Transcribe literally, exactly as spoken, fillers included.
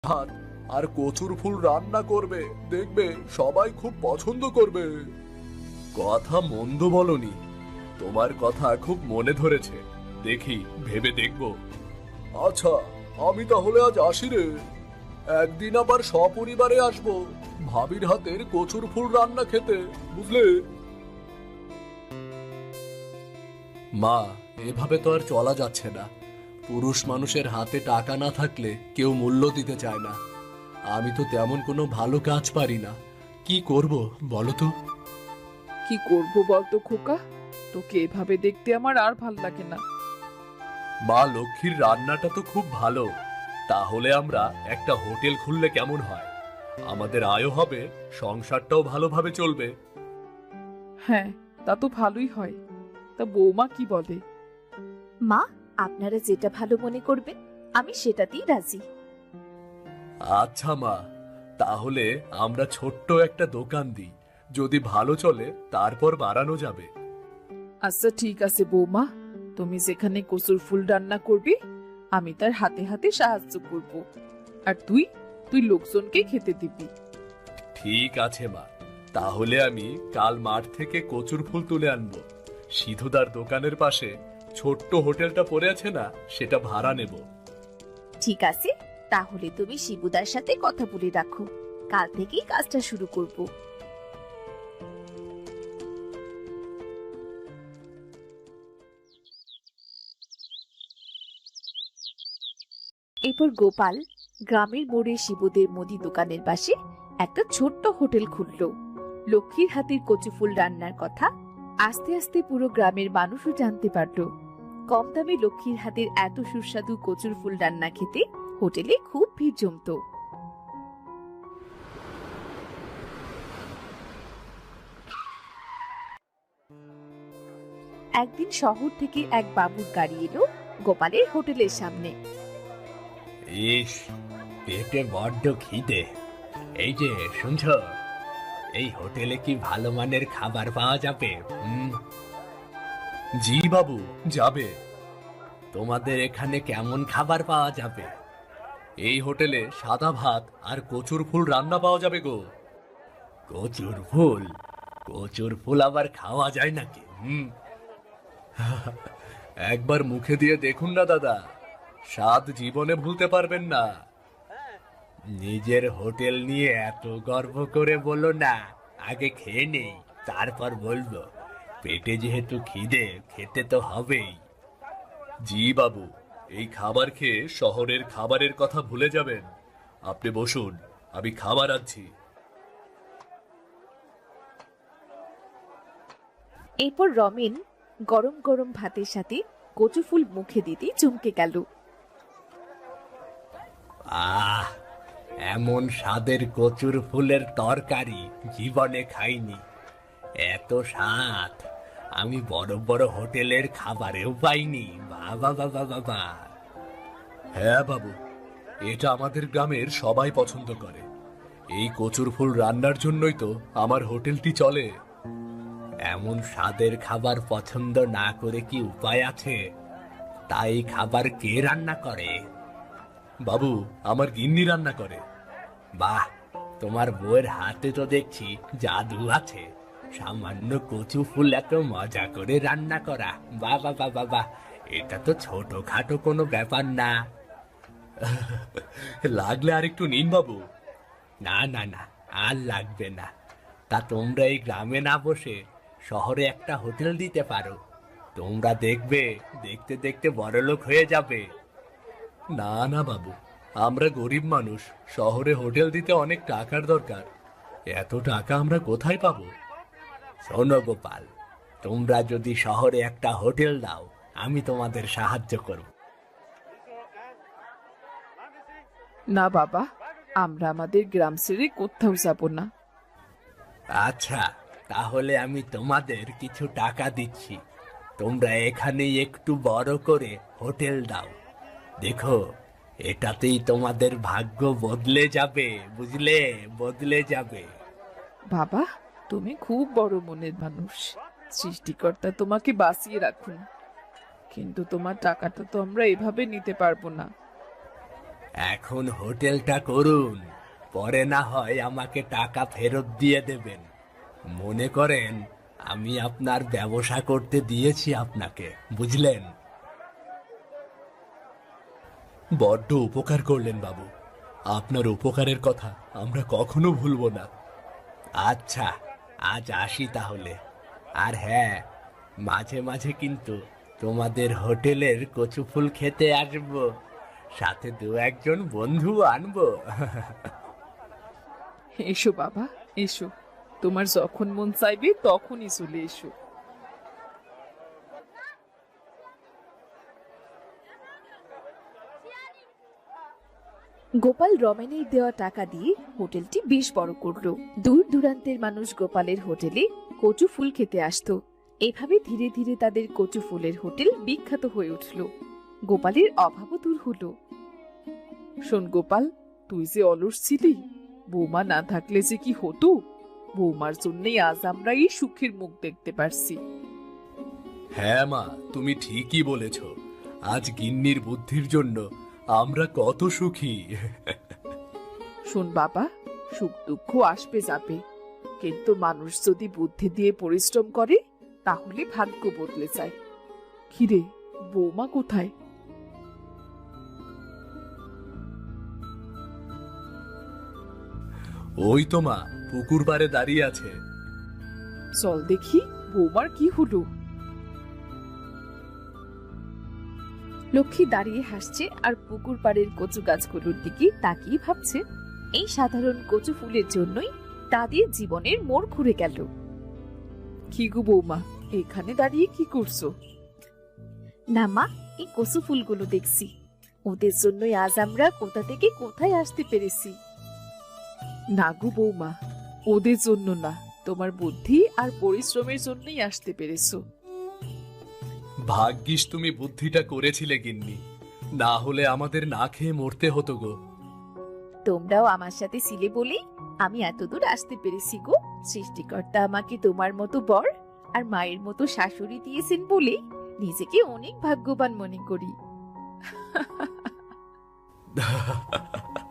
ভাত আর কচুর ফুল রান্না করবে, দেখবে সবাই খুব পছন্দ করবে। কথা মন্দ বলনি, তোমার কথা খুব মনে ধরেছে, দেখি ভেবে দেখব। আচ্ছা, আমি তাহলে আজ আসি রে। একদিন আবার সপরিবারে আসবো ভাবির হাতের কচুর ফুল রান্না খেতে, বুঝলে? মা, এভাবে তো আর চলা যাচ্ছে না। পুরুষ মানুষের হাতে টাকা না থাকলে কেউ মূল্য দিতে চায় না। আমি তো তেমন কোনো ভালো কাজ পারি না, কি করব বলো তো? কি করব বলতো খোকা, তোকে এভাবে দেখতে আমার আর ভাল লাগে না। মা লক্ষ্মীর রান্নাটা তো খুব ভালো, তাহলে আমরা একটা হোটেল খুললে কেমন হয়? আমাদের আয়ও হবে, সংসারটাও ভালোভাবে চলবে। হ্যাঁ, তা তো ভালোই হয়। তা বৌমা কি বলে? মা, আপনারা যেটা ভালো মনে করবেন আমি সেটাতেই রাজি। আচ্ছা মা, তাহলে আমরা ছোট্ট একটা দোকান দিই, যদি ভালো চলে তারপর বাড়ানো যাবে। আচ্ছা ঠিক আছে বৌমা, তুমি যেখানে কচুর ফুল রান্না করবি আমি তার হাতে হাতে সাহায্য করব, আর তুই তুই লোকজনকে খেতে দিবি। ঠিক আছে মা, তাহলে আমি কাল মাঠ থেকে কচুর ফুল তুলে আনবো। সিধুদার দোকানের পাশে ছোট্ট হোটেলটা পড়ে আছে না, সেটা ভাড়া নেব। ঠিক আছে, তাহলে তুমি শিবুদার সাথে কথা বলে রাখো, কাল থেকেই কাজটা শুরু করব। এরপর গোপাল গ্রামের মোড়ে শিবুদের মুদি দোকানের পাশে একটা ছোট্ট হোটেল খুলল। লক্ষ্মীর হাতের কচু ফুল রান্নার কথা আস্তে আস্তে পুরো গ্রামের মানুষও জানতে পারল। কম দামে লক্ষ্মীর হাতের এত সুস্বাদু কচুর ফুল রান্না খেতে হোটেলে খুব ভিড় জমতো। একদিন শহর থেকে এক বাবুর গাড়ি এলো গোপালের হোটেলের সামনে। ইস, পেটে বড্ড খিদে। এই যে শুনছ, এই হোটেলে কি ভালো মানের খাবার পাওয়া যাবে? হুম, জি বাবু, যাবে। তোমাদের এখানে কেমন খাবার পাওয়া যাবে? এই হোটেলে সাদা ভাত আর কচুর ফুল রান্না পাওয়া যাবে গো। কচুর ফুল? কচুর ফুল আবার খাওয়া যায় নাকি? হুম, একবার মুখে দিয়ে দেখুন না দাদা, স্বাদ জীবনে ভুলতে পারবেন না। নিজের হোটেল নিয়ে এত গর্ব করে বলো না, আগে খেয়ে নেই তারপর বলবো। পেটে যেহেতু খিদে, খেতে তো হবেই। জি বাবু, এই খাবার খেয়ে শহরের খাবারের কথা ভুলে যাবেন। আপনি বসুন, আমি খাবার আনছি। এরপর রমেন গরম গরম ভাতের সাথে কচু ফুল মুখে দিতেই চমকে গেল। আহ, এমন স্বাদের কচুর ফুলের তরকারি জীবনে খাইনি। এত স্বাদ আমি বড় বড় হোটেলের খাবারেও পাইনি। বাবা বাবা বাবা। হ্যাঁ বাবু, এটা আমাদের গ্রামের সবাই পছন্দ করে। এই কচুর ফুল রান্নার জন্যই তো আমার হোটেলটি চলে। এমন স্বাদের খাবার পছন্দ না করে কি উপায় আছে? তাই খাবার কে রান্না করে? বাবু, আমার গিন্নি রান্না করে। বাহ, তোমার বউয়ের হাতে তো দেখছি জাদু আছে। সামান্য কচু ফুল এত মজা করে রান্না করা, বাবা বাবা বাহ, এটা তো ছোটখাটো কোনো ব্যাপার না। লাগলে আর একটু নিন বাবু। না না না, আর লাগবে না। তা তোমরা এই গ্রামে না বসে শহরে একটা হোটেল দিতে পারো। তোমরা দেখবে, দেখতে দেখতে বড়লোক হয়ে যাবে। না না বাবু, আমরা গরিব মানুষ, শহরে হোটেল দিতে অনেক টাকার দরকার। এত টাকা আমরা কোথায় পাবো? শোনো গোপাল, তোমরা যদি শহরে একটা হোটেল দাও, আমি তোমাদের সাহায্য করব। না বাবা, আমরা আমাদের গ্রাম ছেড়ে কোথাও যাব না। আচ্ছা, তাহলে আমি তোমাদের কিছু টাকা দিচ্ছি। তোমরা এখানেই একটু বড় করে হোটেল দাও। দেখো, এটাতেই তোমাদের ভাগ্য বদলে যাবে, বুঝলে? বদলে যাবে। বাবা, তুমি খুব বড় মনের মানুষ, সৃষ্টিকর্তা তোমাকে বাঁচিয়ে রাখুন। কিন্তু তোমার টাকাটা তো আমরা এভাবে নিতে পারবো না। এখন হোটেলটা করুন, পরে না হয় আমাকে টাকা ফেরত দিয়ে দেবেন। মনে করেন আমি আপনার ব্যবসা করতে দিয়েছি আপনাকে, বুঝলেন? বড্ড উপকার করলেন বাবু, আপনার উপকারের কথা আমরা কখনো ভুলবো না। আচ্ছা, আজ আসি তাহলে। আর হ্যাঁ, মাঝে মাঝে কিন্তু তোমাদের হোটেলের কচু ফুল খেতে আসবো, সাথে দু একজন বন্ধু আনবো। এসো বাবা, এসো। তোমার যখন মন চাইবে তখনই চলে এসো। গোপাল রমেনের দেওয়া টাকা দিয়ে হোটেলটি বেশ বড় করলো। দূর দূরান্তের মানুষ গোপালের হোটেলে কচু ফুল খেতে আসতো। এভাবে ধীরে ধীরে তাদের কচু ফুলের হোটেল বিখ্যাত হয়ে উঠল। গোপালের অভাবও দূর হলো। শোন গোপাল, তুই যে অলস ছিলি, বৌমা না থাকলে যে কি হতো। বৌমার জন্যই আজ আমরা এই সুখের মুখ দেখতে পারছি। হ্যাঁ মা, তুমি ঠিকই বলেছ। আজ গিন্নির বুদ্ধির জন্য আমরা কত সুখী। শোন বাবা, সুখ দুঃখ আসবে যাবে, কিন্তু মানুষ যদি বুদ্ধি দিয়ে পরিশ্রম করে তাহলে ভাগ্য বদলে যায়। কিরে, বৌমা কোথায়? ওই তো মা, পুকুর পাড়ে দাঁড়িয়ে আছে। চল দেখি বৌমার কি হলো। লক্ষ্মী দাঁড়িয়ে হাসছে আর পুকুর পাড়ের কচু গাছগুলোর দিকে তাকিয়ে ভাবছে, এই সাধারণ কচু ফুলের জন্যই তাদের জীবনের মোড় ঘুরে গেল। কি গো বৌমা, এখানে দাঁড়িয়ে কি করছো? না মা, এই কচু ফুলগুলো দেখছি, ওদের জন্যই আজ আমরা কোথা থেকে কোথায় আসতে পেরেছি। না গো বৌমা, ওদের জন্য না, তোমার বুদ্ধি আর পরিশ্রমের জন্যই আসতে পেরেছো। ভাগ্যিস তুমি বুদ্ধিটা করেছিলে গিন্নি, না হলে আমাদের না খেয়ে মরতে হতো গো। তোমরাও আমার সাথে ছিলে বলেই আমি এতদূর আসতে পেরেছি গো। সৃষ্টিকর্তা আমাকে তোমার মতো বর আর মায়ের মতো শাশুড়ি দিয়েছেন বলে নিজেকে অনেক ভাগ্যবান মনে করি।